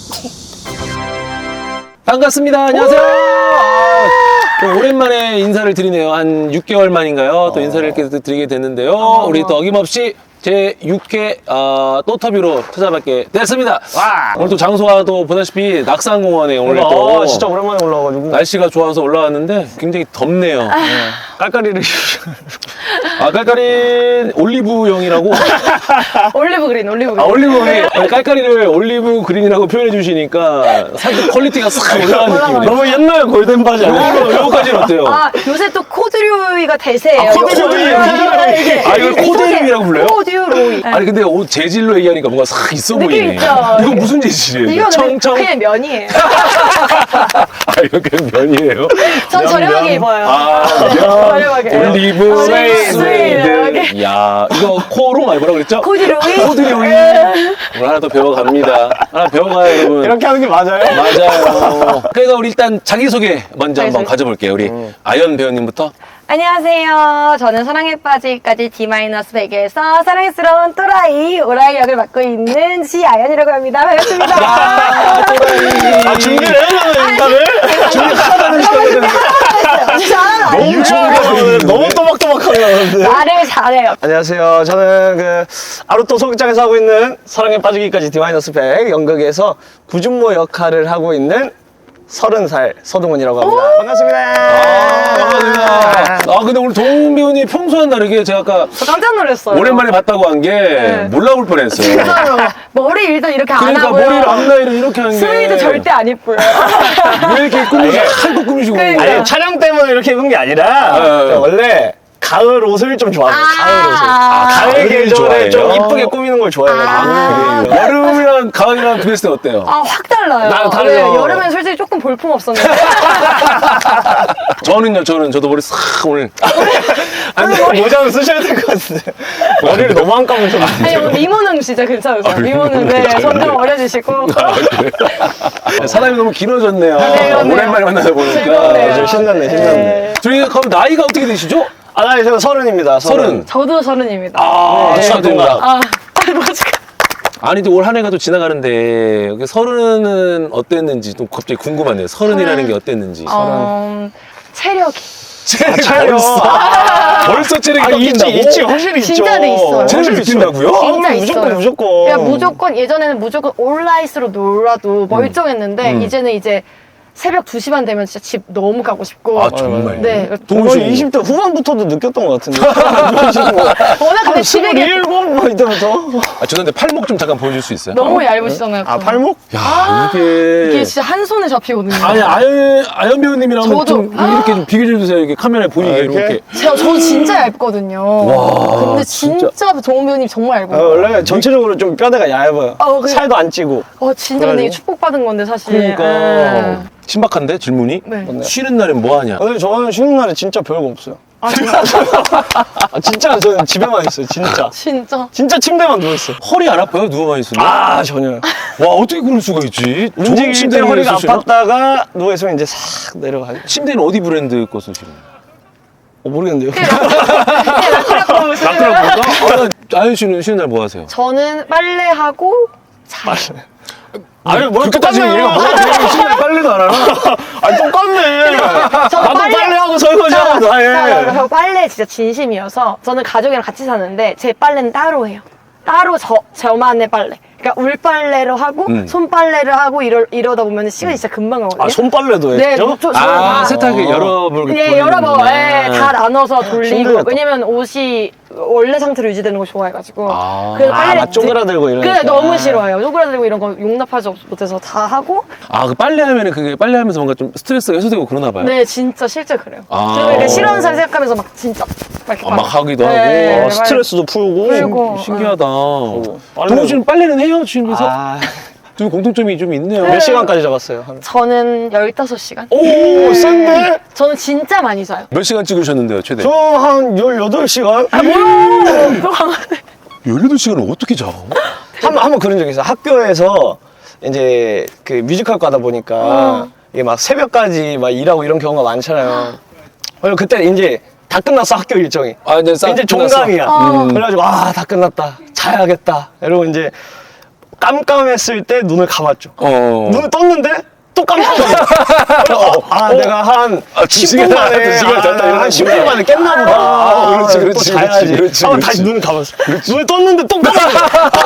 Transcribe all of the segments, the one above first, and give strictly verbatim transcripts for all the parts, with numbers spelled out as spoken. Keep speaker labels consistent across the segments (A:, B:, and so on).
A: 반갑습니다. 안녕하세요. 아, 오랜만에 인사를 드리네요. 한 육 개월 만인가요? 또 인사를 이렇게 드리게 됐는데요.
B: 어.
A: 우리 또 어김없이 제 육 회 어, 또터뷰로 찾아뵙게 됐습니다.
B: 와.
A: 오늘 또 장소가 또 보다시피 낙산공원에 오늘
B: 어,
A: 또
B: 진짜 오랜만에 올라와가지고
A: 날씨가 좋아서 올라왔는데 굉장히 덥네요.
B: 깔깔이를
A: 아, 깔깔이 올리브영이라고?
C: 올리브 그린, 올리브 그린.
A: 아, 올리브 그린. 아니, 깔깔이를 올리브 그린이라고 표현해 주시니까 살짝 퀄리티가 싹 올라간 느낌이네요.
B: 너무 옛날 골든 바지 아니야?
A: 이거, 이거까지는 어때요?
C: 아, 요새 또 코듀로이가 대세예요.
A: 아, 코듀로이. 아, 이걸 코듀로이라고 불러요?
C: 코듀로이.
A: 아니 근데 옷 재질로 얘기하니까 뭔가 싹 있어
C: 느낌
A: 보이네.
C: 있죠?
A: 이거 무슨 재질이에요?
C: 이거는
A: 청청?
C: 그냥 면이에요.
A: 아 이거 그냥 면이에요?
C: 전 저렴하게 입어요.
A: 아
C: 네,
A: 면,
C: 저렴하게.
A: 올리브,
C: 아,
A: 스웨이드.
C: 스웨이드.
A: 야 이거 코롱 아니 뭐라 그랬죠?
C: 코듀로이.
A: 코듀로이. 오늘 하나 더 배워갑니다. 하나 배워가요 여러분.
B: 이렇게 하는 게 맞아요?
A: 맞아요. 그래서 우리 일단 자기소개 먼저 한번
C: 자기소개.
A: 가져볼게요. 우리
B: 음.
A: 아연 배우님부터.
C: 안녕하세요. 저는 사랑에 빠지기까지 D-백에서 사랑스러운 또라이, 오라이 역을 맡고 있는 지아연이라고 합니다. 반갑습니다.
A: 아 또라이.
B: 아, 준비를 해야 인사를?
A: 준비 하나도 안 시켰거든요.
B: 너무 준비가 너무 또박또박하게 나오는데.
C: 말을 잘해요.
B: 안녕하세요. 저는 그 아루토 소극장에서 하고 있는 사랑에 빠지기까지 디 백 연극에서 구준모 역할을 하고 있는 서른 살 서동훈이라고 합니다. 반갑습니다.
A: 아, 반갑습니다. 아, 근데 오늘 동훈 배우님 평소와는 다르게 제가 아까
C: 저 깜짝 놀랐어요.
A: 오랜만에 봤다고 한 게 몰라볼 뻔했어요.
C: 진짜로. 머리 일단 이렇게 안
A: 그러니까
C: 하고요.
A: 머리를 앞라인을 이렇게 하는 게.
C: 스웨이드 절대 안 이뻐요.
A: 왜 이렇게 꾸미시, 한껏 꾸미시고.
C: 그러니까.
B: 아니 촬영 때문에 이렇게 입은 게 아니라
A: 네.
B: 원래 가을 옷을 좀 좋아해요.
C: 아.
B: 가을 옷을.
C: 아,
B: 가을
A: 가을을
B: 계절에 좀
A: 좋아해요?
B: 이쁘게 꾸미는 걸 좋아해요.
C: 아.
A: 그래요. 여름이랑 가을이랑 비했을 때 어때요?
C: 아, 확 달라요.
B: 나 다르죠.
C: 네, 여름엔 솔직히 조금 볼품 없었는데.
A: 저는요, 저는 저도 머리 싹 오늘.
B: 아니, 모자는 쓰셔야 될 것 같은데. 머리를 너무 안 감으셨는데.
C: 아니, 오늘 미모는 진짜 괜찮으세요. 미모는 네, 손좀 올려주시고.
A: 사람이 너무 길어졌네요.
C: 네, 그러네요.
A: 오랜만에 만나다 보니까.
C: 즐겁네요.
B: 좀 신났네, 신났네.
A: 저희 그럼 나이가 어떻게 되시죠?
B: 아, 나 제가 서른입니다.
A: 서른.
C: 저도 서른입니다.
A: 아,
B: 네,
A: 축하드립니다.
C: 아, 뭐지?
A: 아니, 또 올 한 해가 또 지나가는데, 여기 서른은 어땠는지 좀 갑자기 궁금하네요. 서른이라는 게 어땠는지.
C: 어, 체력이.
A: 체력이
B: 체력.
A: 벌써,
B: 아.
A: 벌써 체력이
B: 아,
A: 꺾인다고?
B: 있지, 있지. 확실히 있죠.
C: 진짜로 있어요.
A: 체력이 느낀다고요?
B: 아,
C: 진짜
B: 무조건,
C: 있어요.
B: 무조건.
C: 그냥 무조건 예전에는 무조건 온라인으로 놀아도 멀쩡했는데
A: 음.
C: 이제는 이제 새벽 두 시 반 되면 진짜 집 너무 가고 싶고.
A: 아, 정말.
C: 네.
A: 동훈
B: 거의
A: 씨.
B: 이십 대 후반부터도 느꼈던 것 같은데.
C: 워낙 근데 집에 계-
B: 스물일곱 뭐 이때부터.
A: 아, 죄송한데 팔목 좀 잠깐 보여줄 수 있어요?
C: 너무 얇으시잖아요.
B: 아,
C: 또.
B: 팔목?
A: 야, 이게.
C: 이게 진짜 한 손에 잡히거든요.
A: 아니, 아연, 아연 배우님이랑 한번
C: 저도-
A: 좀 이렇게 좀 비교해 주세요. 이렇게 카메라에 보이게
B: 아, 이렇게?
A: 이렇게.
C: 제가 저 진짜 얇거든요.
A: 와,
C: 근데
A: 진짜.
C: 진짜, 정우 배우님 정말
B: 아,
C: 얇아요.
B: 원래 전체적으로 좀 뼈대가 얇아요.
C: 어, 그래.
B: 살도 안 찌고.
C: 어, 진짜 근데 이게
B: 그래가지고.
C: 축복받은 건데 사실.
A: 그러니까.
C: 예.
A: 신박한데, 질문이?
C: 네.
A: 쉬는 날엔 뭐 하냐?
B: 근데 저는 쉬는 날에 진짜 별거 없어요.
C: 아, 진짜.
B: 아, 진짜 저는 집에만 있어요, 진짜.
C: 진짜.
B: 진짜 침대만 누워있어요.
A: 허리 안 아파요? 누워만 있으면?
B: 아, 전혀.
A: 와, 어떻게 그럴 수가 있지? 좋은
B: 움직일 때
A: 침대를
B: 허리가
A: 쓰시나?
B: 아팠다가 누워있으면 이제 싹 내려가요.
A: 침대는 어디 브랜드 거 쓰시나요?
B: 어, 모르겠는데요.
C: 라크라크라고 쓰세요.
A: 라크라크인가? 아, 아연 씨는 쉬는 날 뭐 하세요?
C: 저는 빨래하고 자요.
B: 아니, 뭘
A: 그렇게 따지면 얘가 뭐가 되게 쉬는 날 빨래도 안 하나?
B: 아니, 똑같네.
C: 저
B: 나도 빨래하고 설거지하고 다 해.
C: 저 빨래 진짜 진심이어서 저는 가족이랑 같이 사는데 제 빨래는 따로 해요. 따로 저, 저만의 빨래. 그러니까 울빨래로 하고
A: 음.
C: 손빨래를 하고 이러, 이러다 보면 시간이 진짜 금방 가거든요.
B: 아, 손빨래도
C: 네,
B: 했죠?
C: 저, 저,
A: 아,
C: 다-
A: 세탁기 여러 번.
C: 예, 여러 번, 예, 다 나눠서 돌리고.
B: 힘들겠다.
C: 왜냐면 옷이 원래 상태로 유지되는 걸 좋아해가지고.
A: 아.
C: 그래서
B: 아,
C: 빨래를
B: 막 쪼그라들고 이러니까.
C: 그래, 너무 싫어해요. 쪼그라들고 이런 거 용납하지 못해서 다 하고.
A: 아, 그 빨래하면은 그게 빨래하면서 뭔가 좀 스트레스가 해소되고 그러나 봐요?
C: 네, 진짜 실제 그래요.
A: 아.
C: 그리고 이렇게 싫어하는 사람 생각하면서 막 진짜 막 이렇게
A: 아, 막 하기도
C: 네,
A: 하고.
B: 어, 스트레스도 풀고.
C: 풀고.
A: 신기하다.
B: 빨래도-
A: 동훈 씨는 빨래는 해요? 집에서?
B: 아,
A: 좀 공통점이 좀 있네요.
B: 몇 시간까지 잡았어요? 한-
C: 저는 열다섯 시간.
B: 오, 센데?
C: 저는 진짜 많이 자요.
A: 몇 시간 찍으셨는데요, 최대?
B: 저 한 열여덟 시간?
C: 아,
A: 열여덟 시간을 어떻게 자?
B: 한, 한번 그런 적이 있어요. 학교에서 이제 그 뮤지컬 가다 보니까
C: 어.
B: 이게 막 새벽까지 막 일하고 이런 경우가 많잖아요. 그리고 그때 이제 다 끝났어, 학교 일정이.
A: 아, 이제 싹
B: 이제
A: 끝났어.
B: 종강이야.
C: 어.
B: 그래가지고, 아, 다 끝났다. 자야겠다. 이러고 이제 깜깜했을 때 눈을 감았죠.
A: 어.
B: 눈을 떴는데 또 깜깜해. 아, 내가 한
A: 아, 두
B: 십 분
A: 시간,
B: 만에,
A: 두 시간 잤다
B: 아,
A: 이러는
B: 한 십 분
A: 거야.
B: 만에 깼나 보다.
A: 아, 그렇지, 그렇지,
B: 또 자야지.
A: 그렇지, 그렇지,
B: 하고
A: 그렇지.
B: 다시 눈을 감았어. 눈을 떴는데 또 깜깜해.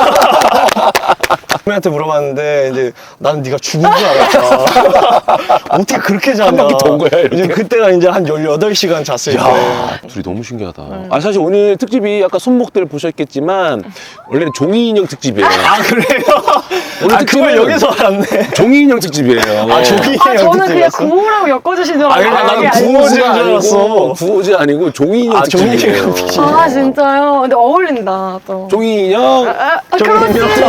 B: 선배한테 물어봤는데 이제 나는 네가 죽은 줄 알았다. 어떻게 그렇게 자냐.
A: 한 바퀴 돈 거야, 이렇게?
B: 이제 그때가 이제 한 열여덟 시간 잤을 때.
A: 야, 둘이 너무 신기하다. 아, 사실 오늘 특집이 아까 손목들 보셨겠지만, 원래는 종이 인형 특집이에요.
B: 아, 그래요?
A: 오늘
B: 아, 그걸
A: 특집은
B: 여기서 알았네.
A: 종이 인형 특집이에요.
B: 아, 종이
C: 아,
B: 인형
C: 저는 그냥
B: 특집이었어?
C: 구호라고 엮어주신 줄
B: 아,
C: 알았는데.
B: 나는
C: 그게 아니고.
B: 구호지.
A: 구호지
B: 줄 알았어.
A: 아니고, 구호지 아니고 종이 인형
B: 아, 종이
A: 특집이에요.
B: 인형 특집.
C: 아, 진짜요? 근데 어울린다, 또.
A: 종이 인형.
C: 아, 아,
B: 종이
C: 그렇지.
B: 인형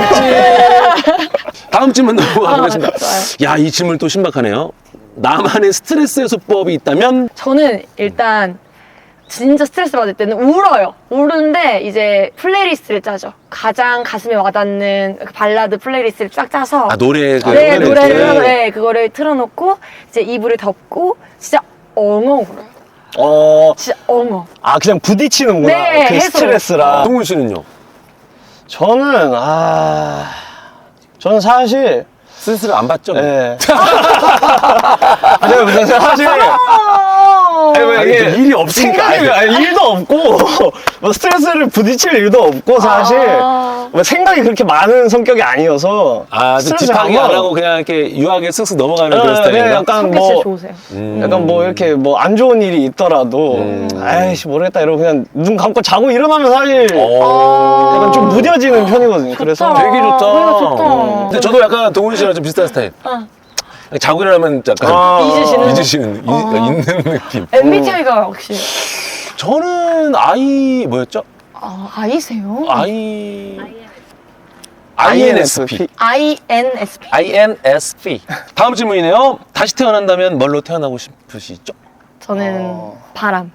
A: 다음 질문 넘어가보겠습니다.
C: 아, 좋아요.
A: 야, 이 질문 또 신박하네요. 나만의 스트레스 해소법이 있다면?
C: 저는 일단 진짜 스트레스 받을 때는 울어요. 우는데 이제 플레이리스트를 짜죠. 가장 가슴에 와닿는 그 발라드 플레이리스트를 쫙 짜서
A: 아, 노래, 그
C: 네,
A: 플레이리스트.
C: 노래를 네, 그거를 틀어놓고 이제 이불을 덮고 진짜 엉엉 울어요.
B: 어,
C: 진짜 엉엉.
B: 아, 그냥 부딪히는구나.
C: 네,
B: 그
C: 해서.
B: 스트레스랑.
A: 동훈 씨는요?
B: 저는, 아, 저는 사실,
A: 스트레스를 안 받죠?
B: 예. 아니, 무슨 사실. 아니, 뭐
A: 아니,
B: 이게
A: 일이 없으니까.
B: 생각이, 아니, 일도 없고, 뭐 스트레스를 부딪힐 일도 없고, 사실.
C: 아.
B: 뭐 생각이 그렇게 많은 성격이 아니어서.
A: 아, 좀
B: 스트레스
A: 딥하게 안
B: 받아.
A: 하고 그냥 이렇게 유하게 쓱쓱 넘어가는
B: 어,
A: 그런
B: 네,
A: 스타일인가?
B: 약간
C: 성격
B: 뭐,
C: 진짜 좋으세요.
A: 음.
B: 약간 뭐 이렇게 뭐 안 좋은 일이 있더라도,
A: 음.
B: 아이씨, 모르겠다 이러고 그냥 눈 감고 자고 일어나면 사실
A: 어.
B: 약간 좀 무뎌지는 편이거든요. 그래서.
C: 좋다.
A: 되게 좋다.
C: 그래, 좋다.
A: 음. 근데 저도 약간 동훈 씨랑 좀 비슷한 스타일.
C: 어.
A: 자고 일어나면 약간
B: 아,
C: 잊으시는?
A: 잊으시는, 잊- 있는 느낌.
C: 엠비티아이가 혹시
A: 저는 아이, 뭐였죠?
C: 아, 아이세요?
A: 아이. 아이엔에스피.
C: 아이엔에스피.
A: 아이엔에스피. 다음 질문이네요. 다시 태어난다면 뭘로 태어나고 싶으시죠?
C: 저는
B: 어.
C: 바람.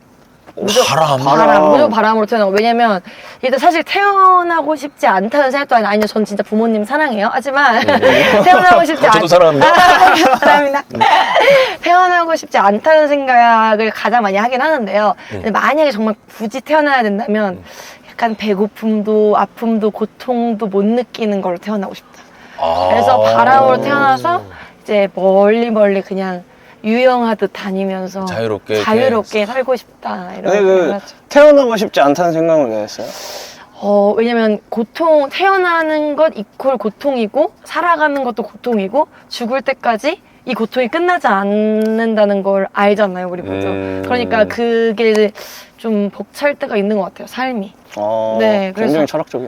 A: 바람.
C: 바람, 무조건 바람으로 태어나고. 왜냐면, 일단 사실 태어나고 싶지 않다는 생각도 아니, 아니요. 전 진짜 부모님 사랑해요. 하지만, 태어나고 싶지 않
A: 저도 사랑합니다.
C: 사랑합니다. 태어나고 싶지 않다는 생각을 가장 많이 하긴 하는데요. 근데 만약에 정말 굳이 태어나야 된다면, 약간 배고픔도, 아픔도, 고통도 못 느끼는 걸로 태어나고 싶다.
A: 아.
C: 그래서 바람으로 태어나서, 이제 멀리 멀리 그냥, 유영하듯 다니면서
A: 자유롭게
C: 자유롭게 살고 싶다 이런
B: 근데
C: 생각을
B: 그
C: 하죠.
B: 태어나고 싶지 않다는 생각은 왜 했어요?
C: 어, 왜냐면 고통 태어나는 것 이퀄 고통이고 살아가는 것도 고통이고 죽을 때까지 이 고통이 끝나지 않는다는 걸 알잖아요, 우리 모두.
A: 음.
C: 그러니까 그게 좀 벅찰 때가 있는 것 같아요, 삶이.
B: 어,
C: 네, 그래서-
B: 굉장히 철학적이네.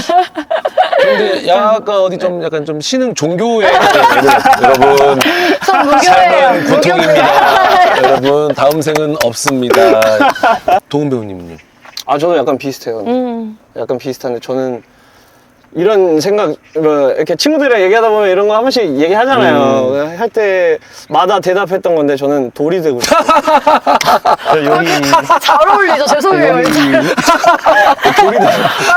A: 근데 약간 어디 좀 약간 좀 신흥 종교에 여러분
C: 전 무교예요.
A: 삶은 고통입니다. 여러분 다음 생은 없습니다. 도훈 배우님은요?
B: 아, 저도 약간 비슷해요.
C: 음.
B: 약간 비슷한데 저는 이런 생각, 뭐 이렇게 친구들이랑 얘기하다 보면 이런 거 한 번씩 얘기하잖아요. 할 때마다 대답했던 건데 저는 돌이 되고 싶어요. 여기
C: 잘 어울리죠, 죄송해요.
B: 여기
C: 돌이 돼.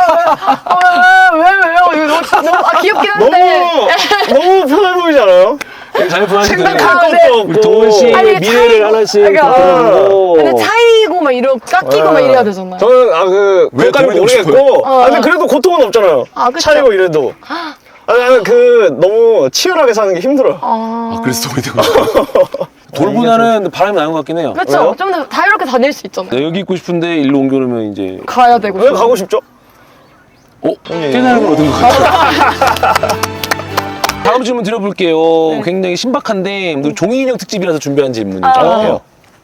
C: 왜, 왜, 왜요? 이거 너무, 너무 아, 귀엽긴 한데.
B: 너무 너무 편해 보이잖아요.
A: 잘 보여주세요.
B: 생각할
C: 아,
B: 것도
C: 네.
B: 없고.
A: 도훈 씨
C: 아니, 이게
A: 미래를
C: 차이고-
A: 하나씩
C: 그러니까,
A: 보여주고.
C: 근데 차이고 막 이러 깎이고 막 이래야 되잖아요.
B: 저는 아그
A: 왜
B: 그것까지
A: 돌이 되고
B: 모르겠고,
C: 싶어요?
B: 아, 근데 그래도 고통은 없잖아요.
C: 아, 그쵸.
B: 차이고 이래도. 아, 나는 그 너무 치열하게 사는 게 힘들어요.
C: 아,
A: 아, 그래서 도훈이 되고 싶어. 돌보다는 바람이 나는 것 같긴 해요.
C: 그렇죠.
B: 왜요?
C: 좀 더 자유롭게 다닐 수 있잖아요.
A: 네, 여기 있고 싶은데 일로 옮겨놓으면 이제
C: 가야 되고.
B: 왜 가고 싶죠?
A: 어? 깨달음을 얻은 것 같아요. 다음 질문 드려볼게요. 굉장히 신박한데 또 종이 인형 특집이라서 준비한 질문이죠.
C: 아.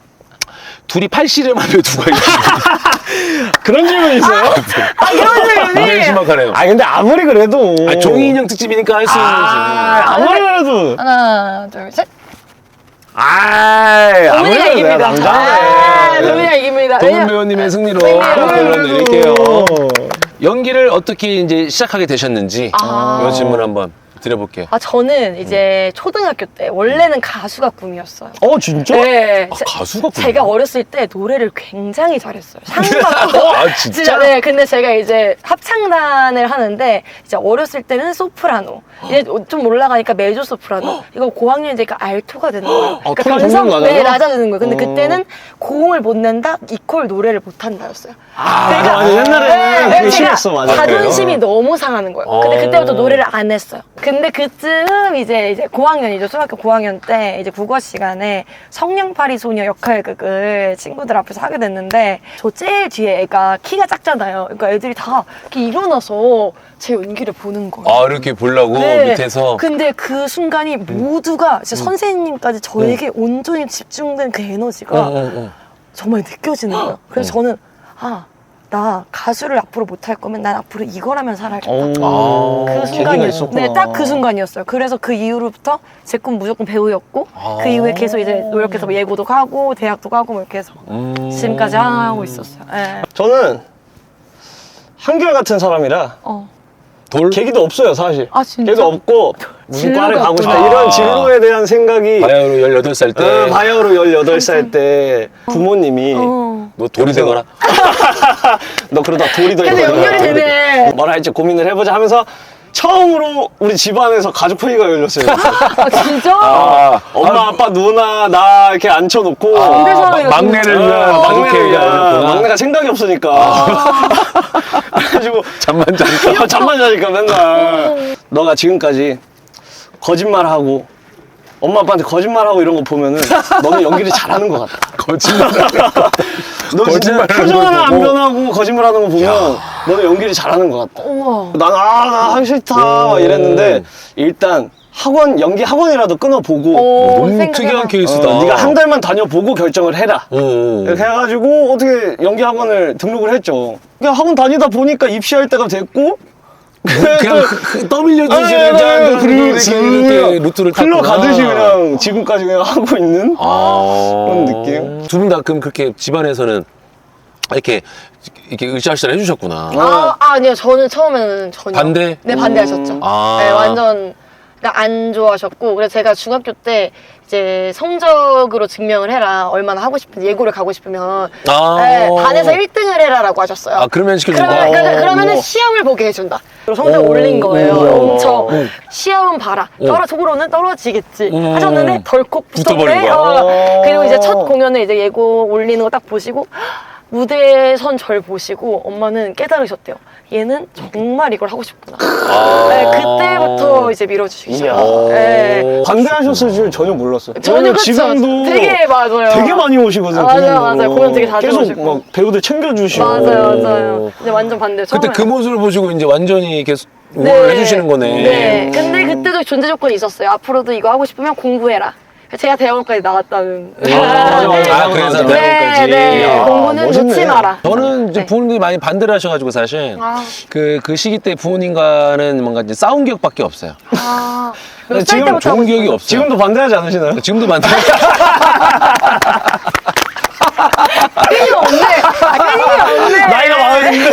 A: 둘이 팔씨름하면 누가 이기죠?
B: 그런 질문 있어요?
C: 아, 이런
A: 굉장히
C: 질문이.
A: 신박하네요.
B: 아 근데 아무리 그래도
A: 아, 종이 인형 특집이니까 할 수 있는
B: 아,
A: 질문.
B: 아무리 그래도
C: 하나, 둘, 셋.
B: 아이 아무리
C: 도민이가
B: 그래도 내가
C: 이깁니다. 아,
B: 남자네.
C: 도민이가 이깁니다.
A: 도훈
C: 왜냐-
A: 배우님의 승리로
C: 네.
A: 결론 내릴게요. 연기를 어떻게 이제 시작하게 되셨는지
C: 아.
A: 이 질문 한번 드려볼게요.
C: 아 저는 이제 초등학교 때 원래는 가수가 꿈이었어요.
B: 어 진짜?
C: 네.
A: 아,
C: 제-
A: 가수가 꿈이야?
C: 제가 어렸을 때 노래를 굉장히 잘했어요. 상 받고.
A: 아, 진짜?
C: 네. 근데 제가 이제 합창단을 하는데 이제 어렸을 때는 소프라노. 이제 좀 올라가니까 메조 소프라노. 이거 고학년 되니까 알토가 되는 거예요.
B: 아, 톤이 점점 낮아져?
C: 네, 낮아지는 거예요. 근데
B: 어.
C: 그때는 고음을 못 낸다, 이퀄 노래를 못 한다였어요.
B: 아,
C: 그러니까-
B: 맞아. 옛날에는 그게
C: 제가
B: 심했어, 맞아.
C: 자존심이 너무 상하는 거예요. 근데
A: 어.
C: 그때부터 노래를 안 했어요. 근데 그쯤 이제 이제 고학년이죠. 중학교 고학년 때 이제 국어 시간에 성냥팔이 소녀 역할극을 친구들 앞에서 하게 됐는데 저 제일 뒤에 애가 키가 작잖아요. 그러니까 애들이 다 이렇게 일어나서 제 연기를 보는 거예요.
A: 아, 이렇게 보려고
C: 네.
A: 밑에서.
C: 근데 그 순간이 모두가 진짜 선생님까지 저에게 온전히 집중된 그 에너지가
A: 어, 어, 어.
C: 정말 느껴지는 거예요. 그래서 저는 아, 나 가수를 앞으로 못할 거면 난 앞으로 이걸 하면 살아야겠다.
B: 어,
C: 그
B: 계기가
C: 순간이었어요.
B: 있었구나.
C: 네, 딱 그 순간이었어요. 그래서 그 이후로부터 제 꿈 무조건 배우였고
A: 아.
C: 그 이후에 계속 이제 노력해서 뭐 예고도 가고 대학도 가고 뭐 이렇게 해서
A: 음.
C: 지금까지 하고 있었어요. 네.
B: 저는 한결같은 사람이라
C: 어.
A: 돌?
B: 계기도 없어요, 사실.
C: 아, 진짜?
B: 계기도 없고 무슨
C: 진로가
B: 과를 가고 싶다
C: 없구나.
B: 이런 진로에 대한 생각이
A: 바야흐로 열여덟 살 때.
B: 어, 바이오로 열여덟 살 때 부모님이
C: 어.
A: 너 돌이 되거라.
B: 너 그러다 돌이 될
C: 근데
B: 거야.
C: 연결이 되네.
B: 뭘 할지 고민을 해보자 하면서 처음으로 우리 집안에서 가족 회의가 열렸어요.
C: 아, 진짜?
A: 아,
B: 엄마, 아빠, 누나, 나 이렇게 앉혀놓고
C: 근데
A: 아,
C: 사람이
A: 마- 막내를
B: 어,
A: 위한
B: 막내를
A: 가족회의가
B: 위한
A: 열렸구나.
B: 막내가 생각이 없으니까
C: 아.
B: 그래가지고
A: 잠만 자니까.
B: 잠만 자니까 맨날 너가 지금까지 거짓말하고 엄마 아빠한테 거짓말하고 이런 거 보면은 너는 연기를 잘하는 것 같다.
A: 거짓말.
B: 너 진짜
A: 거짓말하는
B: 표정
A: 걸
B: 하나 안
A: 보고.
B: 변하고 거짓말하는 거 보면 너는 연기를 잘하는 것 같다.
C: 우와.
B: 난 아 나 하기 싫다 막 이랬는데 일단 학원 연기 학원이라도 끊어보고
C: 오,
A: 너무
C: 생각해봐.
A: 특이한 케이스다.
B: 어, 네가 한 달만 다녀보고 결정을 해라.
A: 어, 어.
B: 이렇게 해가지고 어떻게 연기 학원을 등록을 했죠. 그냥 학원 다니다 보니까 입시할 때가 됐고
A: 그냥 그- 그 떠밀려주시는
B: 아,
A: 그냥
B: 그냥
A: 이렇게, 이렇게 루트를 탔구나.
B: 흘러가듯이 그냥 지금까지 그냥 하고 있는
A: 아.
B: 그런 느낌?
A: 두 분 다 그럼 그렇게 집안에서는 이렇게 이렇게 으쌰으쌰 해주셨구나.
C: 아, 아, 아니요. 저는 처음에는 전혀.
A: 반대?
C: 네, 반대하셨죠.
A: 아.
C: 네, 완전 안 좋아하셨고. 그래서 제가 중학교 때 이제 성적으로 증명을 해라. 얼마나 하고 싶은지, 예고를 가고 싶으면.
A: 아.
C: 네, 반에서 일 등을 해라라고 하셨어요.
A: 아, 그러면 시켜준다.
C: 그러면, 그러니까
A: 어.
C: 그러면은 시험을 보게 해준다. 그리고 성적
A: 오.
C: 올린 거예요.
A: 오.
C: 엄청. 시험은 봐라. 떨어, 속으로는 떨어지겠지.
A: 음.
C: 하셨는데 덜컥
A: 붙어버린
C: 붙었대.
A: 거야.
C: 어. 그리고 이제 첫 공연을 이제 예고 올리는 거 딱 보시고 무대에 선 절 보시고 엄마는 깨달으셨대요. 얘는 정말 이걸 하고 싶구나.
A: 아.
C: 네, 그때부터 이제 밀어주시기
B: 이야.
C: 시작했어요. 네.
B: 반대하셨을 줄 전혀 몰랐어요.
C: 전혀
B: 왜냐면
C: 그쵸.
B: 지금도
C: 되게 맞아요.
B: 되게 많이 오시거든요.
C: 맞아요,
B: 공연으로.
C: 맞아요. 공연 되게 자주
B: 계속
C: 오시고.
B: 막 배우들 챙겨주시고.
C: 맞아요, 맞아요. 근데 완전 반대요.
A: 그때
C: 처음에는.
A: 그 모습을 보시고 이제 완전히 계속 응원을 해주시는 거네.
C: 네. 근데 그때도 존재 조건이 있었어요. 앞으로도 이거 하고 싶으면 공부해라. 제가 대학원까지 나왔다는.
B: 아, 맞아, 맞아.
A: 아, 그래서
B: 네,
A: 대학원까지.
C: 네,
B: 이야,
C: 공부는
B: 멋있네.
C: 놓지 마라.
A: 저는 이제
C: 네.
A: 부모님이 많이 반대를 하셔가지고 사실
C: 아.
A: 그, 그 시기 때 부모님과는 뭔가 이제 싸운 기억밖에 없어요.
C: 아,
B: 근데
C: 몇 살
B: 지금
C: 때부터
A: 좋은
C: 하고
A: 기억이
C: 싶어요?
A: 없어요.
B: 지금도 반대하지 않으시나요?
A: 지금도 반대.
C: 끊임이 없네. 아, 끊임이 없네.
B: 나이가 많은데.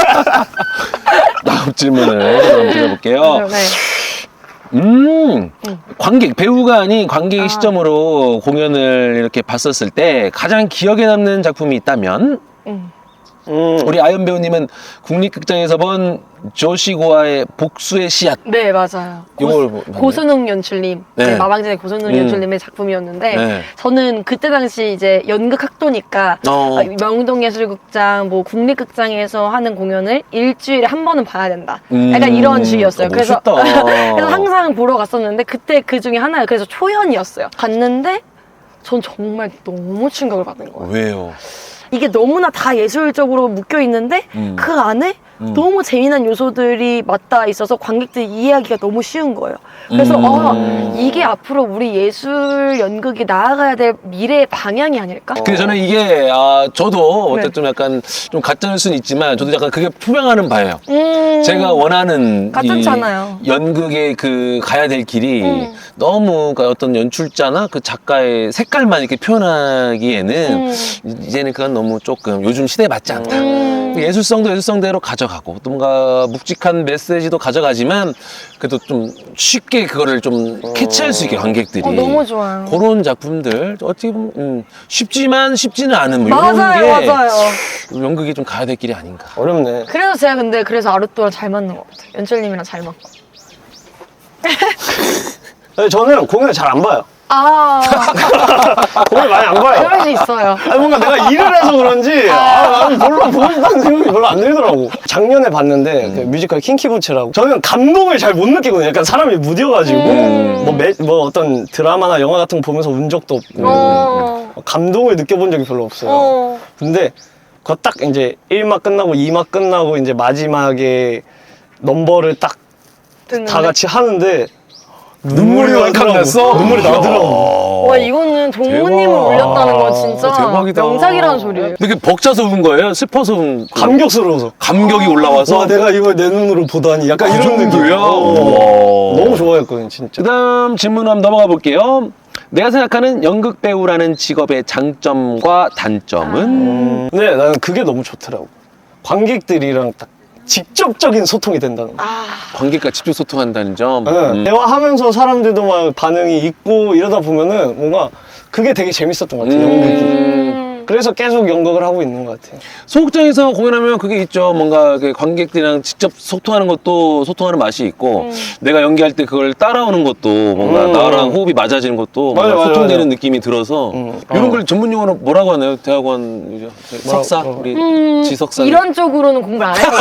A: 다음 질문을 한번 드려볼게요.
C: 네.
A: 음, 관객, 배우가 아닌 관객의
C: 아.
A: 시점으로 공연을 이렇게 봤었을 때 가장 기억에 남는 작품이 있다면?
C: 음.
B: 음.
A: 우리 아연 배우님은 국립극장에서 본 조시고아의 복수의 씨앗.
C: 네, 맞아요.
A: 이걸 뭐-
C: 고순웅 연출님,
A: 네.
C: 네. 마방진의 고순웅
A: 음.
C: 연출님의 작품이었는데
A: 네.
C: 저는 그때 당시 이제 연극 학도니까
A: 어.
C: 어, 명동예술극장, 뭐 국립극장에서 하는 공연을 일주일에 한 번은 봐야 된다.
A: 음.
C: 약간 이런 주의였어요.
A: 어,
C: 그래서
A: 멋있다.
C: 그래서 항상 보러 갔었는데 그때 그 중에 하나예요. 그래서 초연이었어요. 갔는데 전 정말 너무 충격을 받은 거예요.
A: 왜요?
C: 이게 너무나 다 예술적으로 묶여 있는데
A: 음.
C: 그 안에
A: 음.
C: 너무 재미난 요소들이 맞닿아 있어서 관객들이 이해하기가 너무 쉬운 거예요. 그래서
A: 음.
C: 아, 이게 앞으로 우리 예술 연극이 나아가야 될 미래의 방향이 아닐까?
A: 근데 저는 이게 아 저도
C: 네.
A: 어쨌든 좀 약간 좀 가짜일 수는 있지만 저도 약간 그게 투명하는 바예요.
C: 음.
A: 제가 원하는
C: 가짜잖아요.
A: 이 연극의 그 가야 될 길이
C: 음.
A: 너무 그러니까 어떤 연출자나 그 작가의 색깔만 이렇게 표현하기에는
C: 음.
A: 이제는 그건 너무 조금 요즘 시대에 맞지 않다.
C: 음.
A: 예술성도 예술성대로 가져가고 또 뭔가 묵직한 메시지도 가져가지만 그래도 좀 쉽게 그거를 좀 캐치할 수 있게 관객들이
C: 어, 너무 좋아요.
A: 그런 작품들 어떻게 보면 음, 쉽지만 쉽지는 않은 뭐 이런
C: 맞아요,
A: 게
C: 맞아요.
A: 연극이 좀 가야 될 길이 아닌가.
B: 어렵네.
C: 그래서 제가 근데 그래서 아루토랑 잘 맞는 것 같아요. 연출님이랑 잘 맞고.
B: 근데 저는 공연을 잘 안 봐요.
C: 아,
B: 공연 많이 안 봐요.
C: 그럴 수 있어요.
B: 아니 뭔가 내가 일을 해서 그런지 아, 나는 별로 보고 싶다는 생각이 별로 안 들더라고. 작년에 봤는데 그 뮤지컬 킹키부츠라고 저는 감동을 잘 못 느끼거든요. 약간 사람이 무뎌가지고
C: 음.
B: 뭐, 매, 뭐 어떤 드라마나 영화 같은 거 보면서 운 적도 없고
C: 어.
B: 감동을 느껴본 적이 별로 없어요.
C: 어.
B: 근데 그거 딱 이제 일 막 끝나고 이 막 끝나고 이제 마지막에 넘버를 딱 다
C: 듣는데.
B: 같이 하는데
A: 눈물이 왈칵 났어?
B: 눈물이 나더라고.
C: 와, 이거는 동무님을
A: 대박.
C: 올렸다는 건 진짜
A: 대박이다.
C: 명작이라는 소리예요.
A: 근데 그 벅차서 운 거예요? 슬퍼서 운 그
B: 감격스러워서.
A: 감격이 올라와서
B: 와 내가 이걸 내 눈으로 보다니 약간
A: 그
B: 이런
A: 정도야?
B: 느낌이야. 어.
A: 우와.
B: 너무 좋아했거든 진짜.
A: 그다음 질문 한번 넘어가 볼게요. 내가 생각하는 연극 배우라는 직업의 장점과 단점은
B: 음. 근데 나는 그게 너무 좋더라고. 관객들이랑 딱 직접적인 소통이 된다는 거.
C: 아,
A: 관객과 직접 소통한다는 점.
B: 네.
A: 음.
B: 대화하면서 사람들도 막 반응이 있고 이러다 보면은 뭔가 그게 되게 재밌었던 것 같아요. 연극이.
C: 음.
B: 그래서 계속 연극을 하고 있는 것 같아요.
A: 소극장에서 공연하면 그게 있죠. 뭔가 그 관객들이랑 직접 소통하는 것도 소통하는 맛이 있고
C: 음.
A: 내가 연기할 때 그걸 따라오는 것도 뭔가
B: 음.
A: 나랑 호흡이 맞아지는 것도
B: 맞아,
A: 뭔가
B: 맞아,
A: 소통되는
B: 맞아.
A: 느낌이 들어서
B: 음.
A: 이런
B: 어.
A: 걸 전문 용어로 뭐라고 하나요? 대학원 이제 석사
B: 어.
A: 우리
C: 음,
A: 지석사
C: 이런 쪽으로는 공부를 안 했어요.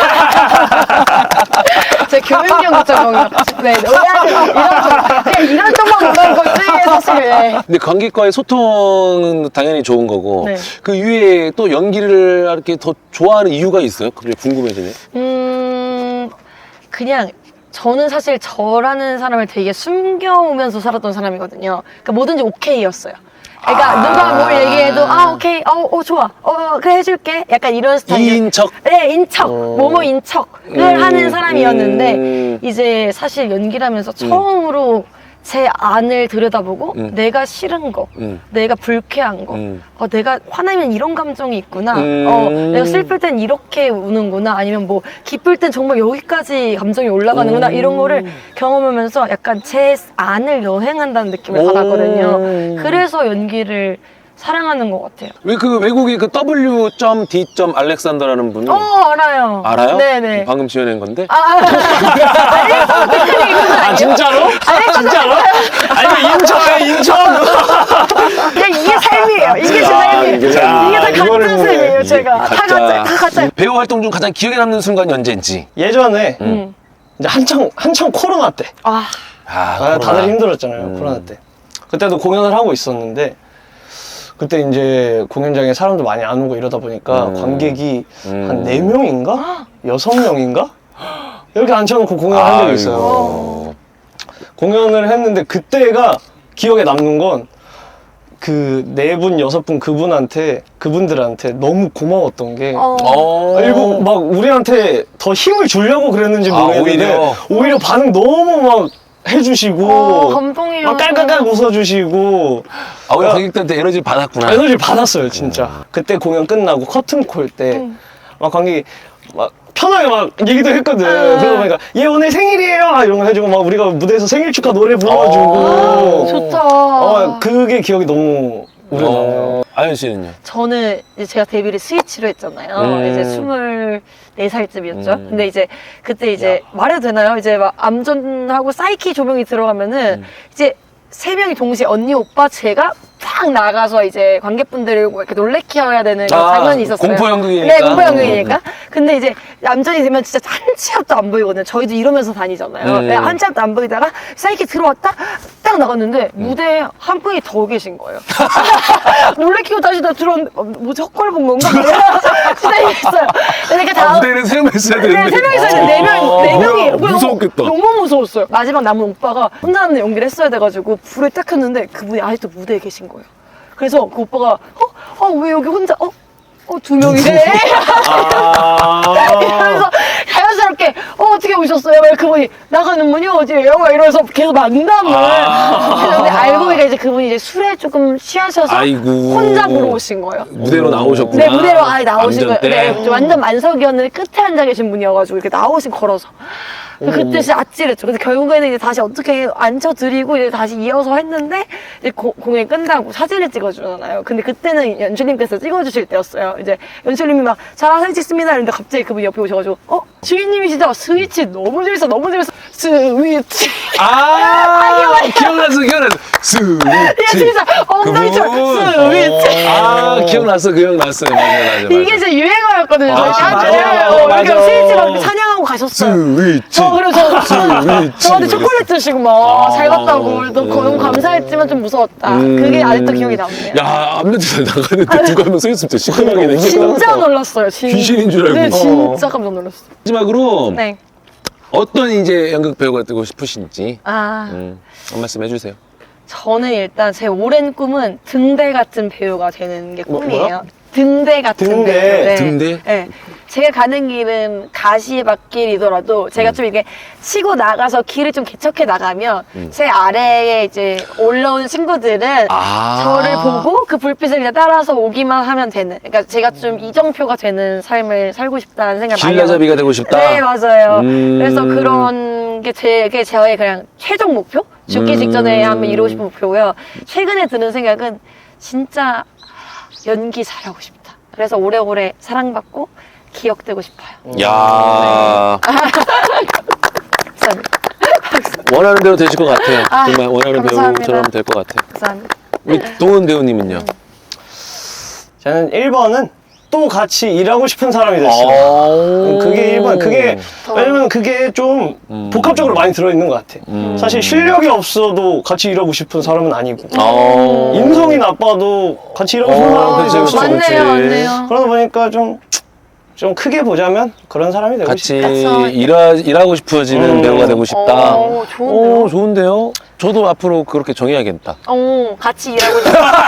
C: 제 교육연구 쪽이요. 네, 의학을 이런 쪽, 그냥 이런 쪽만 보는 거지 사실. 네.
A: 근데 관객과의 소통은 당연히 좋은 거고
C: 네.
A: 그 이외에 또 연기를 이렇게 더 좋아하는 이유가 있어요? 그게 궁금해지네.
C: 음, 그냥 저는 사실 저라는 사람을 되게 숨겨오면서 살았던 사람이거든요. 그러니까 뭐든지 오케이였어요. 그러니까
A: 아.
C: 누가 뭘 얘기해도 아 오케이, 어, 어 좋아, 어 그래 해줄게. 약간 이런 스타일.
A: 이인척.
C: 네, 인척, 뭐뭐 인척을
A: 음,
C: 하는 사람이었는데
A: 음.
C: 이제 사실 연기를 하면서 처음으로 제 안을 들여다보고
A: 음.
C: 내가 싫은 거,
A: 음.
C: 내가 불쾌한 거,
A: 음.
C: 어, 내가 화나면 이런 감정이 있구나,
A: 음.
C: 어, 내가 슬플 땐 이렇게 우는구나, 아니면 뭐 기쁠 땐 정말 여기까지 감정이 올라가는구나,
A: 음.
C: 이런 거를 경험하면서 약간 제 안을 여행한다는 느낌을
A: 음.
C: 받았거든요. 그래서 연기를 사랑하는 것 같아요.
A: 왜 그 외국의 그 W D 알렉산더라는 분이
C: 어, 알아요.
A: 알아요?
C: 네네.
A: 방금 지어낸 건데.
C: 아, 알렉산더 이건
B: 아
C: 아니에요?
B: 진짜로? 진짜로? 아니 인천에 인천.
C: 그냥 이게 삶이에요. 이게 제 삶이에요.
B: 이게
C: 이게
B: 삶.
C: 다
B: 이거를
C: 가짜
B: 보네.
C: 삶이에요, 제가. 다 가짜, 다 가짜.
A: 배우 활동 중 가장 기억에 남는 순간이 언제인지.
B: 예전에
C: 음.
B: 이제 한창 한창 코로나 때.
C: 아,
A: 아,
B: 아,
A: 코로나.
B: 다들 힘들었잖아요
A: 음.
B: 코로나 때. 그때도 공연을 하고 있었는데 그때 이제 공연장에 사람도 많이 안 오고 이러다 보니까
A: 음.
B: 관객이
A: 음.
B: 한 네 명인가? 여섯 명인가? 이렇게 앉혀놓고 공연을 한 적이 있어요.
A: 아이고.
B: 공연을 했는데 그때가 기억에 남는 건 그 네 분, 여섯 분 그분한테 그분들한테 너무 고마웠던 게
C: 어.
A: 어.
B: 일부 막 우리한테 더 힘을 주려고 그랬는지
A: 아,
B: 모르겠는데
A: 오히려?
B: 오히려 반응 너무 막 해주시고
C: 어, 감동이에요.
B: 막 깔깔깔 웃어주시고
A: 아, 우리 관객들한테 에너지를 받았구나.
B: 에너지를 받았어요 진짜. 그때 공연 끝나고 커튼콜 때 막 관객이 막 편하게 막 얘기도 했거든.
C: 음.
B: 그러다 보니까 얘 오늘 생일이에요 막 이런 거 해주고 막 우리가 무대에서 생일 축하 노래 불러주고
A: 아,
C: 좋다.
B: 어, 그게 기억이 너무 오래 남아요.
A: 어. 아연 씨는요?
C: 저는 이제 제가 데뷔를 스위치로 했잖아요.
A: 음.
C: 이제 스물네 살쯤이었죠.
A: 음.
C: 근데 이제 그때 이제 말해도 되나요? 이제 막 암전하고 사이키 조명이 들어가면은 이제 세 명이 동시에 언니, 오빠, 제가 팍 나가서 이제 관객분들을 이렇게 놀래켜야 되는 그런
A: 아,
C: 장면이 있었어요.
A: 공포 연극이니까.
C: 네, 공포 연극이니까. 근데 이제 암전이 되면 진짜 한 치 앞도 안 보이거든요. 저희도 이러면서 다니잖아요.
A: 음.
C: 네, 한 치 앞도 안 보이다가 사이키 들어왔다 딱 나갔는데 무대에 한 분이 더 계신 거예요. 놀래키고 다시 다 들어왔는데 어, 뭐지 헛걸 본 건가? 진짜 이랬어요. 그러니까
A: 아,
C: 다음
A: 무대에는 세 명 있어야
C: 네,
A: 되는데.
C: 세 명 있었는데 네 명, 네 명이
A: 뭐야, 무서웠겠다.
C: 너무 무서웠어요. 마지막 남은 오빠가 혼자 하는 연기를 했어야 돼가지고 불을 딱 켰는데 그분이 아직도 무대에 계신 거예요. 그래서 그 오빠가 어? 어, 왜 여기 혼자 어? 어, 두 명이래?
B: 아.
C: 그래서 자연스럽게 어, 어떻게 오셨어요? 막 그분이 나가는 문이 어디예요? 막 이러면서 계속 만남을
A: 아.
C: 했는데 알고 보니까 이제 그분이 이제 술에 조금 취하셔서
A: 아이고.
C: 혼자 보러 오신 거예요.
A: 무대로 나오셨구나.
C: 네, 무대로 아예 나오신 거예요.
A: 암전 때?
C: 네, 완전 만석이었는데 끝에 앉아 계신 분이어가지고 이렇게 나오신 걸어서. 그때 진짜 아찔했죠. 근데 결국에는 이제 다시 어떻게 앉혀드리고 이제 다시 이어서 했는데 이제 고- 공연 끝나고 사진을 찍어주잖아요. 근데 그때는 연출님께서 찍어주실 때였어요. 이제 연출님이 막 자, 사진 찍습니다. 이랬는데 갑자기 그분이 옆에 오셔가지고 어? 주인님이시죠? 스위치 너무 재밌어, 너무 재밌어. 스위치.
A: 아, 기억났어, 기억났어.
C: 이게
A: 스위치.
C: 진짜 엉덩이처럼
A: 그분.
C: 스위치.
A: 아, 기억났어, 기억났어요. 맞아, 맞아, 맞아.
C: 이게 제 유행어였거든요.
A: 아,
C: 저희
A: 맞아.
C: 때한테
A: 맞아.
C: 이렇게 스위치 막 찬양하고 가셨어요.
A: 스위치.
C: 어, 그래서 저,
A: 스위치.
C: 저한테 초콜릿 주시고 막 잘
A: 아,
C: 갔다고 너무, 너무 감사했지만 좀 무서웠다.
A: 음.
C: 그게 아직도 기억이 남네요.
A: 야, 앞면에서 나가는데 누가 한명 서 있으면 진짜 시커멓게 되겠다.
C: 진짜 놀랐어요. 진...
A: 귀신인 줄 알고.
C: 네, 진짜 깜짝 놀랐어요.
A: 마지막으로
C: 네.
A: 어떤 이제 연극 배우가 되고 싶으신지
C: 아,
A: 음, 한 말씀 해주세요.
C: 저는 일단 제 오랜 꿈은 등대 같은 배우가 되는 게
B: 뭐,
C: 꿈이에요.
B: 뭐야?
C: 등대 같은
B: 등대.
C: 배우. 네.
A: 등대?
C: 네. 제가 가는 길은 가시밭길이더라도 제가 좀 이렇게 치고 나가서 길을 좀 개척해 나가면 제 아래에 이제 올라오는 친구들은
A: 아.
C: 저를 보고 그 불빛을 그냥 따라서 오기만 하면 되는. 그러니까 제가 좀 이정표가 되는 삶을 살고 싶다는 생각을 많이 하고.
A: 길라잡이가 되고 싶다.
C: 네, 맞아요.
A: 음.
C: 그래서 그런 게 제, 게 저의 그냥 최종 목표? 죽기
A: 음.
C: 직전에 한번 이루고 싶은 목표고요. 최근에 드는 생각은 진짜 연기 잘하고 싶다. 그래서 오래오래 사랑받고 기억되고 싶어요.
A: 야
C: 감사합니다.
A: 원하는 대로 되실 것 같아요.
C: 아,
A: 정말 원하는
C: 감사합니다.
A: 배우처럼 될 것 같아요.
C: 감사합니다.
A: 우리 동은 배우님은요?
B: 저는 일 번은 또 같이 일하고 싶은 사람이 됐어요.
A: 오.
B: 그게 일 번, 그게,
C: 더.
B: 왜냐면 그게 좀
A: 음.
B: 복합적으로 많이 들어있는 것 같아.
A: 음.
B: 사실 실력이 없어도 같이 일하고 싶은 사람은 아니고,
A: 어.
B: 인성이 나빠도 같이 일하고 싶은
A: 어,
B: 사람은
A: 그치,
B: 아니고,
A: 그치,
C: 맞네요,
A: 그치.
C: 맞네요.
B: 그러다 보니까 좀, 좀 크게 보자면 그런 사람이 되고
A: 같이
B: 싶다.
C: 같이
A: 일하, 일하고 싶어지는
B: 음.
A: 배우가 되고 싶다.
C: 오, 좋은데요?
A: 오, 좋은데요? 저도 앞으로 그렇게 정해야겠다.
C: 어, 같이 일하고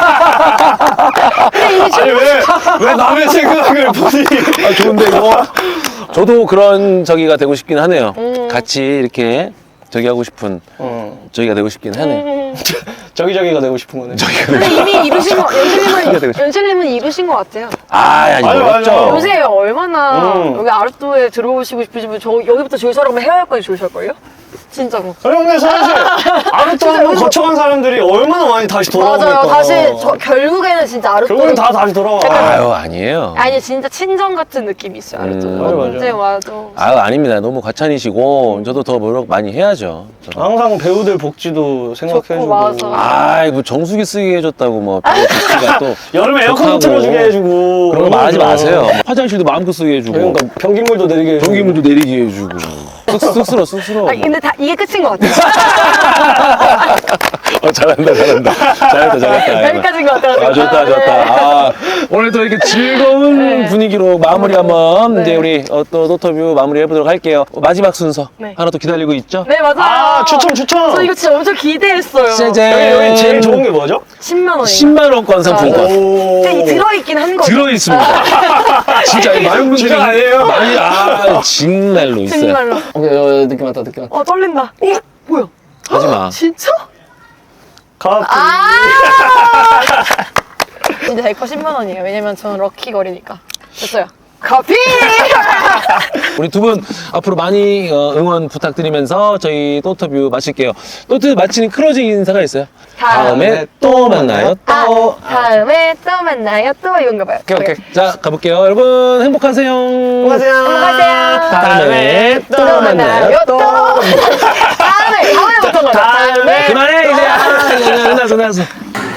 C: 싶다. 근데 이게
B: 아니,
C: 지금
B: 왜, 왜 남의 생각을 보니?
A: 아, 좋은데 이거? 저도 그런 저기가 되고 싶긴 하네요.
C: 음.
A: 같이 이렇게 저기 하고 싶은
B: 어,
A: 저기가 되고 싶긴 하네.
C: 음.
B: 저기저기가 되고 싶은 거네.
C: 근데 이미 이루신 거,
A: 되고
C: 연출님은,
A: 싶다.
C: 연출님은 이루신 것 같아요.
A: 아, 아니,
B: 맞아,
A: 어렵죠.
B: 맞아.
C: 요새 얼마나
B: 음.
C: 여기 아르토에 들어오시고 싶으시면 저 여기부터 줄 서라면 헤어할까지 줄 설걸요? 진짜로.
B: 아니, 근데 사실, 아르토 한번
C: 여기서-
B: 거쳐간 사람들이 얼마나 많이 다시 돌아오니까.
C: 맞아요. 다시 저 결국에는 진짜 아르토.
B: 결국엔 다 다시 돌아와.
A: 아유, 아니에요.
C: 아니 진짜 친정 같은 느낌이 있어요. 아르토.
A: 음.
B: 맞아, 맞아.
C: 언제 와도.
A: 아유, 아닙니다. 너무 과찬이시고, 저도 더 노력 많이 해야죠. 저도.
B: 항상 배우들 복지도 생각해주고.
C: 좋고, 맞아.
A: 아이고, 정수기 쓰게 해줬다고, 뭐, 배우 복지가 또.
B: 여름에 에어컨
A: 좋다고.
B: 틀어주게 해주고.
A: 그런 거 말하지
B: 너무
A: 마세요.
B: 좋아.
A: 뭐 화장실도 마음껏 쓰게 해주고.
B: 그러니까 변기물도 내리게 해주고.
A: 전기물도 내리게 해주고. 쑥, 쑥스러, 쑥스러.
C: 아니 근데 다 이게 끝인 것 같아요.
A: 어, 잘한다, 잘한다. 잘했다, 잘했다.
C: 여기까지인 것 같아요.
A: 아, 좋다, 좋다. 아, 오늘 또 이렇게 즐거운
C: 네.
A: 분위기로 마무리 한번
C: 네.
A: 이제 우리 어, 또 노터뷰 마무리 해보도록 할게요. 마지막 순서
C: 네.
A: 하나 또 기다리고 있죠?
C: 네 맞아요.
B: 아, 추천, 추천.
C: 저 이거 진짜 엄청 기대했어요.
A: 짜잔.
B: 여기, 여기 제일 좋은 게 뭐죠?
C: 십만 원이.
A: 십만 원권 상품권.
B: 오.
C: 근데 이 들어있긴 한 거죠.
A: 들어있습니다. 진짜 이 많은 분들이
B: 진짜 아니에요?
A: 많이 아 정말로 있어요.
C: 정말로.
B: 오케이, 어, 느낌 왔다, 느낌 왔다.
C: 어 떨린다. 어 뭐야?
A: 하지 마.
C: 진짜?
B: 커피.
C: 아. 진짜 제 거 십만 원이에요. 왜냐면 저는 럭키 거리니까. 됐어요. 커피!
A: 우리 두 분 앞으로 많이 어, 응원 부탁드리면서 저희 또터뷰 마칠게요. 또트 마치는 클로징 인사가 있어요. 다음에 또 만나요.
C: 아,
A: 또.
C: 다음에 또 만나요. 또 이건가 봐요.
B: 오케이, 오케이.
A: 자 가볼게요. 여러분 행복하세요.
B: 안녕하세요.
C: 안녕하세요.
A: 다음에 또 만나요.
C: 또. 다음에 다음에부터 가자. 다음에.
A: 그만해 이제. 아, 끝났어 끝났어.